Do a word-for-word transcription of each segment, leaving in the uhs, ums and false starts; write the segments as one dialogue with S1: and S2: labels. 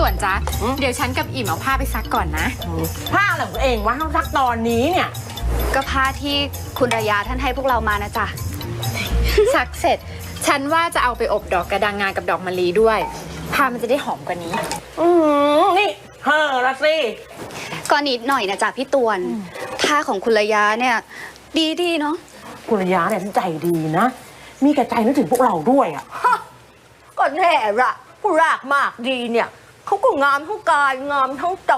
S1: วนจ๊ะเดี๋ยวฉันกับอิ่มเอาผ้าไปซักก่อนนะ
S2: ผ้าอะไรของเองวะซักตอนนี้เนี่ย
S3: ก็ผ้าที่คุณระยาท่านให้พวกเรามานะจ๊ะ
S1: ซักเสร็จฉันว่าจะเอาไปอบดอกกระดังงากับดอกมะลิด้วยผ้ามันจะได้หอมกว่านี้
S2: อืมนี่เฮ้อละสิ
S3: ก็นิดหน่อยนะจ๊ะพี่ตวนผ้าของคุณระยาเนี่ยดีดีเนาะ
S2: คุณระยาเนี่ยใจดีนะมีกระใจนึกถึงพวกเราด้วยอ่ะ
S4: ก็แน่ละผู้รากมากดีเนี่ยเขาก็งามทั้งกายงามทั้งใจ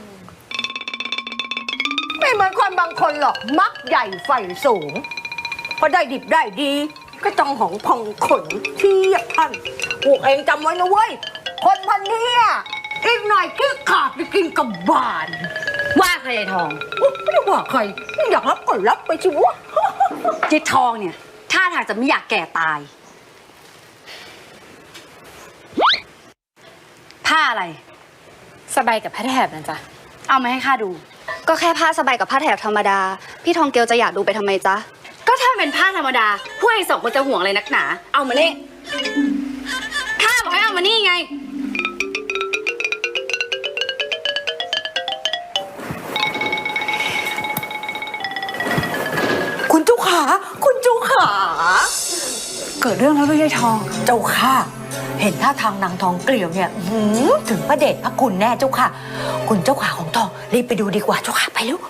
S4: ไม่เหมือนคนบางคนหรอกมักใหญ่ไฟสูงพอได้ดิบได้ดีก็ต้องของพองขนเทียบท่านพวกเองจำไว้นะเว้ยคนพันนี้อีกหน่อยกี้ขาดไปกินกับบาน
S3: ว่าใครทอง
S4: ไม่ได้ว่าใครอยากรับก็รับไปชิวะ
S3: เจ๊ทองเนี่ยท่าทางจะไม่อยากแก่ตายผ้าอะไร
S1: สบายกับผ้าแถบนะจ๊ะ
S3: เอามาให้ข้าดูก็แค่ผ้าสบายกับผ้าแถบธรรมดาพี่ทองเกียวจะอยากดูไปทำไมจ๊ะก็ถ้าเป็นผ้าธรรมดาพวกไอ้สองคนจะห่วงอะไรนักหนาเอามานี่ข้าบอกให้เอามานี่ไง
S4: คุณเจ้าขาคุณเจ้าขา
S3: เกิดเรื่องแล้วด้วยยายทอง
S4: เจ้าค่ะเห็นท่าทางนางทองเกลียวเนี่ยถึงพระเดชพระคุณแน่เจ้าค่ะคุณเจ้าขาของทองรีบไปดูดีกว่าเจ้าค่ะไปเร็ว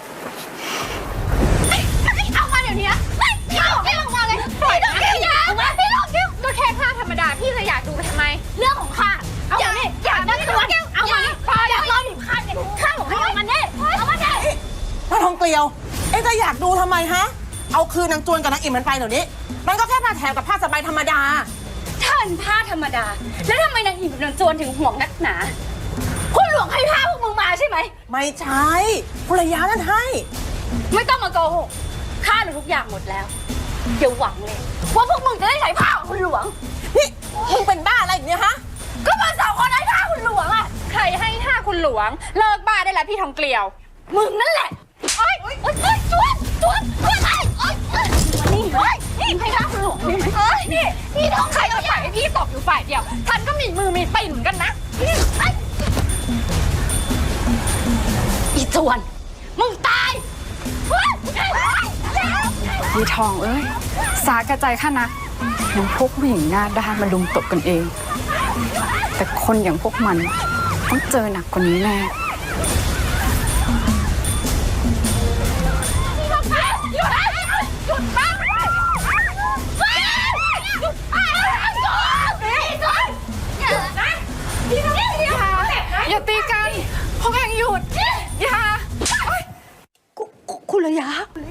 S1: เอามาเดี๋ยวนี้พี่หลงพี่หลงมาเลยพี่หลงเกี่ยวมาพี่หลงเกี่ยวก็แค่ผ้าธรรมดาพี่จะอยากดูไปทำไมเรื่องของข้าเอามาเนี่ยอยากได้ตัวเอามาอยากรอหนึ่งข้าเนี่ยข้าบอกให้เอามาเนี่ยเอามาเนี่ย
S2: ท่าทองเกลียวเอ๊ะจะอยากดูทำไมฮะเอาคืนนางจวนกับนางอิ่มมันไปเดี๋ยวนี้มันก็แค่ผ้าแถบกับผ้าสบายธรรมดา
S3: ถ้าเป็นผ้าธรรมดาแล้วทำไมนางอิ่มกับนางจวนถึงห่วงนักหนาคุณหลวงให้ผ้าพวกมึงมาใช่ไหม
S2: ไม่ใช่ภรรยานั่นให้
S3: ไม่ต้องมาโกหกข้ารู้ทุกอย่างหมดแล้วอย่าหวังเลยว่าพวกมึงจะได้ใช้ผ้าของคุณหลวง
S2: นี่มึงเป็นบ้าอะไรอย่างเงี้ยฮะ
S3: ก็มันสองคนให้ผ้าคุณหลวงอะ
S1: ใครให้ผ้าคุณหลวงเลิกบ้าได้แล้วพี่ทองเกลียว
S3: มึงนั่นแหละโอ๊ยโอ๊ยโอ๊ยจวนจวนจวนไอ้โอ๊ยนี่เฮ้ยนี่ให้ผ้าคุณหลวงได้ไหมเฮ้ยนี่นี่น้อง
S1: ใครจะปล่อยให้พี่ตกอยู่ฝ่ายเดียวฉันก็มีมือมีตีนเหมือนกันนะ
S3: อีจวนมึงตาย
S1: ยีทองเอ้ยสากระจายข้านะยังพวกผู้หญิงหน้าด้านมาลุมตบกันเองแต่คนอย่างพวกมันต้องเจอหนักกว่านี้แน่อย่าตีกันพวกแข่งหยุดอย่า
S4: คุณระยะ